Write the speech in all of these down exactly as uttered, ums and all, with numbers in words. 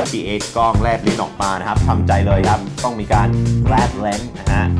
ที เอช กล้องแลบลิ้นออกมานะครับทำใจเลยครับต้องมีการแลบเลนส์นะฮะ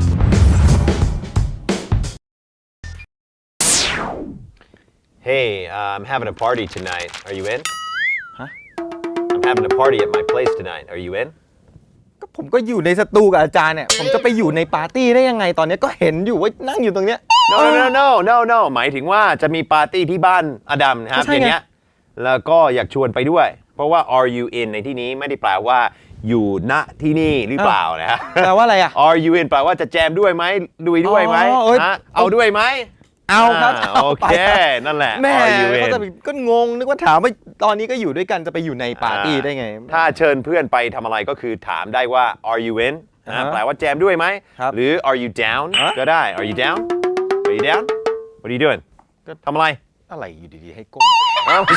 Hey, uh, I'm having a party tonight. Are you in? Huh? I'm having a party at my place tonight. Are you in? ก็ผมก็อยู่ในสตูกับอาจารย์เนี่ยผมจะไปอยู่ในปาร์ตี้ได้ยังไงตอนนี้ก็เห็นอยู่ว่านั่งอยู่ตรงเนี้ย No, no, no, no, no, no. หมายถึงว่าจะมีปาร์ตี้ที่บ้านอดัมนะครับก็ใช่อไงย่างเงี้ยแล้วก็อยากชวนไปด้วย เพราะว่า are you in ในที่นี้ไม่ได้แปลว่าอยู่ณที่นี่หรือเปล่านะฮะแปลว่าอะไรอ่ะ Are you in แปลว่าจะแจมด้วยไหมลุยด้วยไหมอ๋อเอ้ยฮะเอาด้วยไหมเอาครับอ่าเอาโอไปเคนั่นแหละแม่ Are you ก็ in จะก็งงนึกว่าถามว่าตอนนี้ก็อยู่ด้วยกันจะไปอยู่ในปาร์ตี้ได้ไงถ้าเชิญเพื่อนไปทำอะไรก็คือถามได้ว่า are you in นะอ่าฮะแปลว่าแจมด้วยไหมครับหรือ are you down ฮะก็ได้ are you down are you down what are you doing ทำอะไรอะไรอยู่ดีๆให้ก้มอ้าว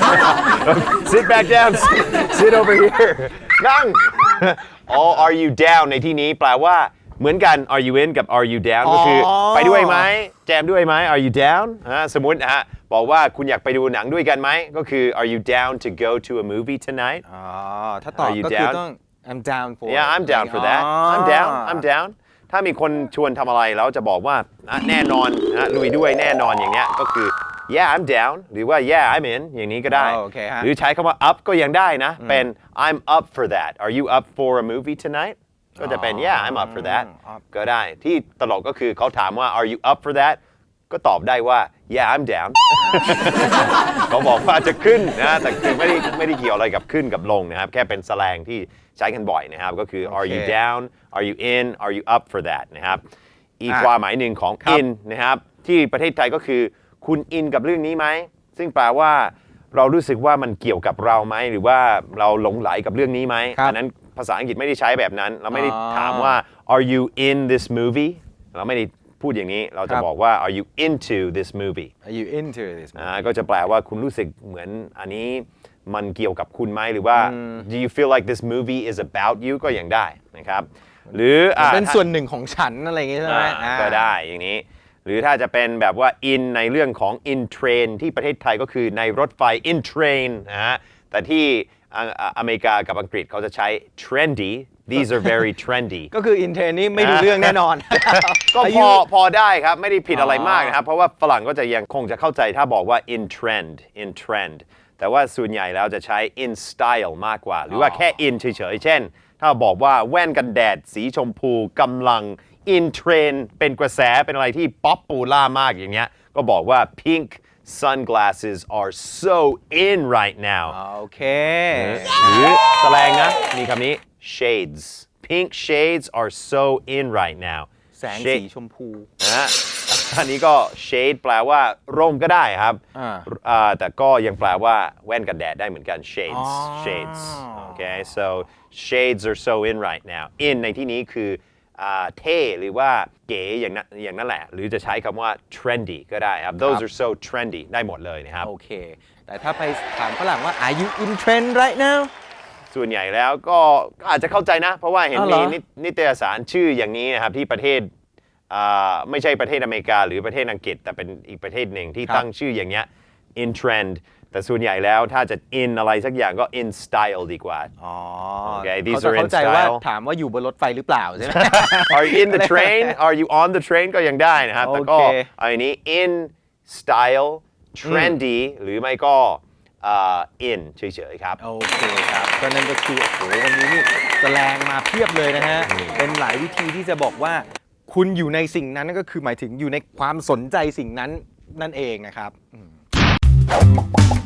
sit back down sit over here นั่ง อ๋อ are you down ในที่นี้แปลว่าเหมือนกัน are you in กับ are you down ก็คือไปด้วยไหมแจมด้วยไหม are you down อ่าสมมุตินะฮะบอกว่าคุณอยากไปดูหนังด้วยกันไหมก็คือ are you down to go to a movie tonight อ๋อถ้าตอบ Are you ก็คือ down? ต้อง I'm down for Yeah I'm down for that อ๋อ I'm down I'm down ถ้ามีคนชวนทำอะไรแล้วจะบอกว่าอ่ะแน่นอนนะลุยด้วยแน่นอนอย่างเนี้ยก็คือ yeah I'm down หรือว่า yeah I'm in อย่างนี้ก็ได้อ๋อโอเคฮะหรือใช้คำว่า up ก็ยังได้นะเป็น I'm up for that Are you up for a movie tonight ก็จะเป็น yeah I'm up for that ก็ได้ที่ตลกก็คือเขาถามว่า are you up for that ก็ตอบได้ว่า yeah I'm down เขาบอกว่าจะขึ้นนะแต่คือไม่ได้ไม่ได้เกี่ยวอะไรกับขึ้นกับลงนะครับแค่เป็นแสแลงที่ใช้กันบ่อยนะครับก็คือ are you down are you in are you up for that นะครับอีกความหมายหนึ่งของ in นะครับที่ประเทศไทยก็คือคุณอินกับเรื่องนี้ไหมซึ่งแปลว่าเรารู้สึกว่ามันเกี่ยวกับเราไหมหรือว่าเราหลงไหลกับเรื่องนี้ไหมอันนั้นภาษาอังกฤษไม่ได้ใช้แบบนั้นเราไม่ได้ถามว่า are you in this movie เราไม่ได้พูดอย่างนี้เราจะบอกว่า are you into this movie Are you into this อ่าก็จะแปลว่าคุณรู้สึกเหมือนอันนี้มันเกี่ยวกับคุณไหมหรือว่า do you feel like this movie is about you ก็ยังได้นะครับหรืออ่าเป็นส่วนหนึ่งของฉันอะไรอย่างงี้ใช่ไหมอ่าก็ได้อย่างนี้หรือถ้าจะเป็นแบบว่า in ในเรื่องของ in train ที่ประเทศไทยก็คือในรถไฟ in train นะฮะแต่ที่อ่าอเมริกากับอังกฤษเขาจะใช้ trendy these are very trendy ก็คืออินเทรนนี่ไม่รู้เรื่องแน่นอนก็พอพอได้ครับไม่ได้ผิดอะไรมากนะครับเพราะว่าฝรั่งก็จะยังคงจะเข้าใจถ้าบอกว่า in trend in trend แต่ว่าส่วนใหญ่แล้วจะใช้ in style มากกว่า หรือว่าแค่ in เฉยๆเช่นถ้าบอกว่าแว่นกันแดดสีชมพูกำลัง in trend เป็นกระแสเป็นอะไรที่ป๊อปปูล่ามากอย่างเงี้ยก็บอกว่า pink sunglasses are so in right now โอเคหรือแสดงนะมีคำนี้ shades pink shades are so in right now แสงสีชมพูนะอันนี้ก็ shade แปลว่าร่มก็ได้ครับอ่าอ่าแต่ก็ยังแปลว่าแว่นกันแดดได้เหมือนกัน shades อ๋อ shades okay so shades are so in right now in ในที่นี้คืออ่าเท่หรือว่าเก๋อย่างนั้นอย่างนั้นแหละหรือจะใช้คำว่า trendy ก็ได้ครับ those are so trendy ได้หมดเลยนะครับโอเค แต่ถ้าไปถามฝรั่งว่า Are you in trend right now ส่วนใหญ่แล้วก็อาจจะเข้าใจนะ เพราะว่าเห็นอ๋อเหรมีอนินิตยสารชื่ออย่างนี้นะครับที่ประเทศอ่าไม่ใช่ประเทศอเมริกาหรือประเทศอังกฤษแต่เป็นอีกประเทศหนึ่งที่ตั้งชื่ออย่างเงี้ย in trend แต่ส่วนใหญ่แล้วถ้าจะ in อะไรสักอย่างก็ in style ดีกว่าอ๋อ Okay, เขา these จะ are in เข้าใจว่า style ถามว่าอยู่บนรถไฟหรือเปล่าใช่ไหม Are you in the train Are you on the train ก็ยังได้นะครับแต่ก็โอเคอันนี้ in style trendy หรือไม่ก็อ่า in เฉยๆครับโอเคครับก็นั่นก็คือโอ้โหวันนี้นี่แสดงมาเพียบเลยนะฮะ เป็นหลายวิธีที่จะบอกว่า คุณอยู่ในสิ่งนั้นนั่นก็คือหมายถึงอยู่ในความสนใจสิ่งนั้นนั่นเองนะครับอืม